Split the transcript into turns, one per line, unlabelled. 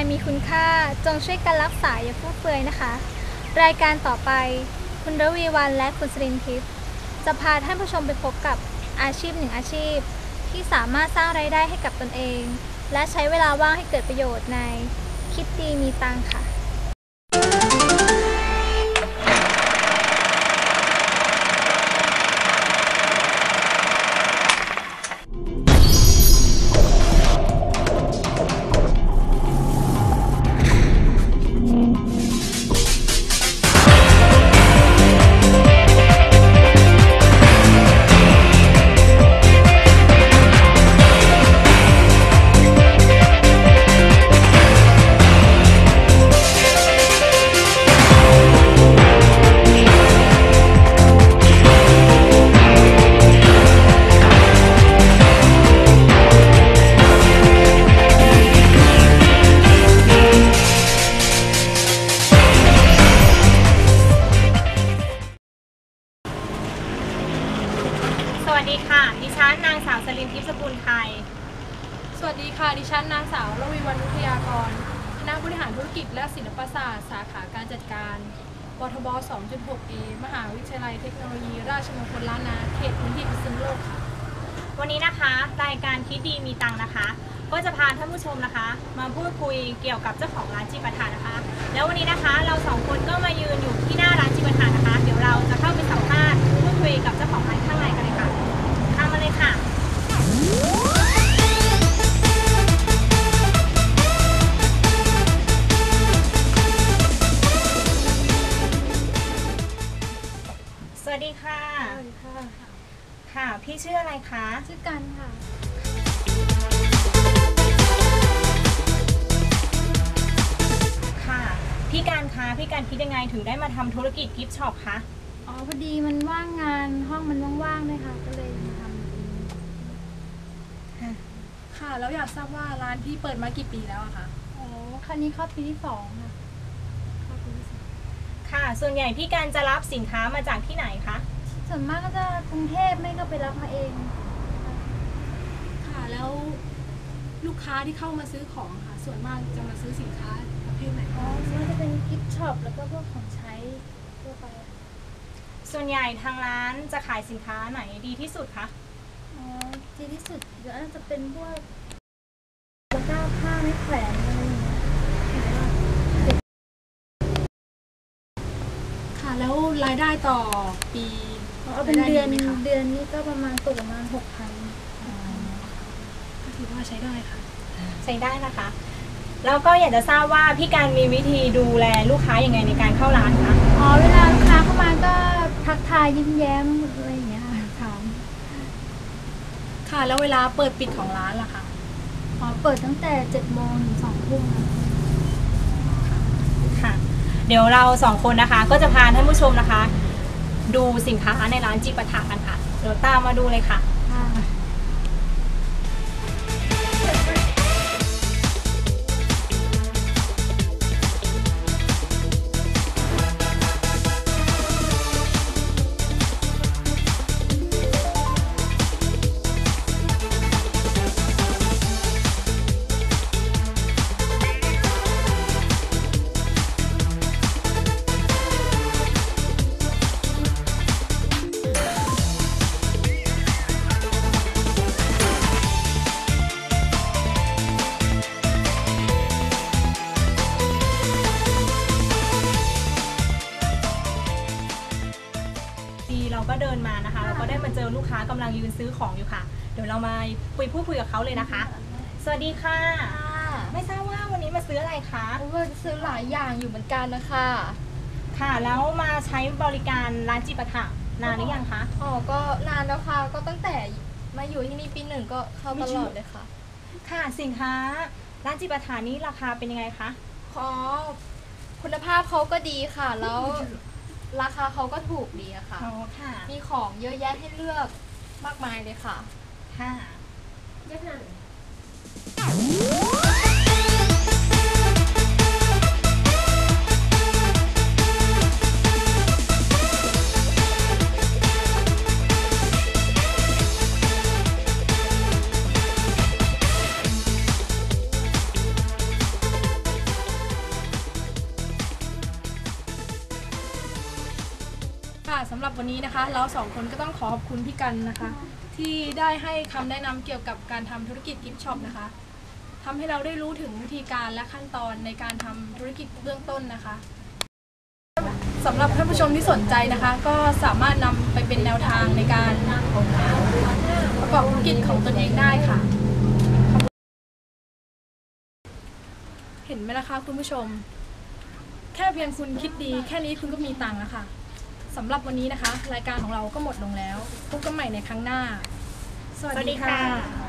มีคุณค่าจงช่วยกันรักษาอย่าฟุ่มเฟือยนะคะรายการต่อไปคุณระวีวรรณและคุณสรินทิพย์จะพาท่านผู้ชมไปพบกับอาชีพหนึ่งอาชีพที่สามารถสร้างรายได้ให้กับตนเองและใช้เวลาว่างให้เกิดประโยชน์ในคิดดีมีตังค่ะ
สวัสดีค่ะดิฉันนางสาวสลินทิพย์สกุลไทย
สวัสดีค่ะดิฉันนางสาวระวีวรรณวิทยากรคณะบริหารธุรกิจและศิลปศาสตร์สาขาการจัดการปทบ 2.6A มหาวิทยาลัยเทคโนโลยีราชมงคลล้านนาเขตพื้นที่พิษณุโลกค่ะ
วันนี้นะคะรายการคิดดีมีตังนะคะก็จะพาท่านผู้ชมนะคะมาพูดคุยเกี่ยวกับเจ้าของร้านจิปาถะนะคะแล้ววันนี้นะคะเราสองคนก็มายืนอยู่ที่หน้าร้านจิปาถะนะคะเดี๋ยวเราจะเข้าไปสัมภาษณ์พูดคุยกับเจ้าของร้านข้างในกันเลยค่ะตามมาเลยค่ะสวัสดีค่ะ
สวัสดีค่ะ
ค่ะพี่ชื่ออะไรคะ
ชื่อกันค่ะ
ค่ะพี่การคะพี่การคิดยังไงถึงได้มาทำธุรกิจกิฟต์ช็อปคะ
อ๋อพอดีมันว่างงานห้องมันว่างๆเลยค่ะก็เลยมาทำ
ค่ะแล้วอยากทราบว่าร้านพี่เปิดมากี่ปีแล้วอะคะ
อ๋อครั้งนี้เข้าปีที่2ค่ะ
ค่ะส่วนใหญ่พี่การจะรับสินค้ามาจากที่ไหนคะ
ส่วนมากก็จะกรุงเทพไม่ก็ไปรับมาเอง
ค่ะแล้วลูกค้าที่เข้ามาซื้อของค่ะส่วนมากจะมาซื้อสินค้าประเภทไหน
อ๋อส่วนมากจะเป็นกิฟต์ช็อปแล้วก็พวกของใช้ทั่วไป
ส่วนใหญ่ทางร้านจะขายสินค้าไหนดีที่สุดคะ
อ๋อดีที่สุดเดี๋ยวจะเป็นพวกตะกร้าผ้าไม้แขวนอะไรอย่างเงี้ย
ค่ะแล้วรายได้ต่อปี
เป็นเดือนนี้ก็ประมาณตกประมาณ 6,000
ก็ถือว่าใช้ได้ค่ะ
ใช้ได้นะคะแล้วก็อยากจะทราบว่าพี่การมีวิธีดูแลลูกค้ายังไงในการเข้าร้านคะ
อ๋อเวลาลูกค้าเข้ามาก็ทักทายยิ้มแย้มอะไรอย่างเงี้ยค่ะถาม
ค่ะแล้วเวลาเปิดปิดของร้านล่ะคะ
อ๋อเปิดตั้งแต่ 7 โมงถึง 2 ทุ่ม
ค่ะเดี๋ยวเรา2 คนนะคะก็จะพาท่านผู้ชมนะคะดูสินค้าในร้านจิปาถะกันค่ะเดี๋ยวตามมาดูเลยค่ะเราก็เดินมานะคะเราก็ได้มาเจอลูกค้ากำลังยืนซื้อของอยู่ค่ะเดี๋ยวเรามาพูดคุยกับเขาเลยนะคะสวัสดีค่ะไม่ทราบว่าวันนี้มาซื้ออะไรคะ
ว่าจะซื้อหลายอย่างอยู่เหมือนกันนะคะ
ค่ะแล้วมาใช้บริการร้านจิปาถะนานหรือยังคะ
อ๋อก็นานแล้วค่ะก็ตั้งแต่มาอยู่ที่นี่ปี 1ก็เข้าตลอดเลยค่ะ
ค่ะสินค้าร้านจิปาถะนี้ราคาเป็นยังไงคะ
อ๋อคุณภาพเขาก็ดีค่ะแล้วราคาเขาก็ถูกดีอะค่ะมีของเยอะแยะให้เลือกมากมายเลยค่ะ
ค่ะ
เยอะขนาดไหน
สำหรับวันนี้นะคะเราสองคนก็ต้องขอบคุณพี่กันนะคะที่ได้ให้คำแนะนำเกี่ยวกับการทำธุรกิจกิฟต์ช็อปนะคะทำให้เราได้รู้ถึงวิธีการและขั้นตอนในการทำธุรกิจเบื้องต้นนะคะสำหรับท่านผู้ชมที่สนใจนะคะก็สามารถนำไปเป็นแนวทางในการประกอบธุรกิจของตนเองได้ค่ะเห็นไหมนะคะคุณผู้ชมแค่เพียงคุณคิดดีแค่นี้คุณก็มีตังค์แล้วค่ะสำหรับวันนี้นะคะรายการของเราก็หมดลงแล้วพบกันใหม่ในครั้งหน้าสวัสดีค่ะ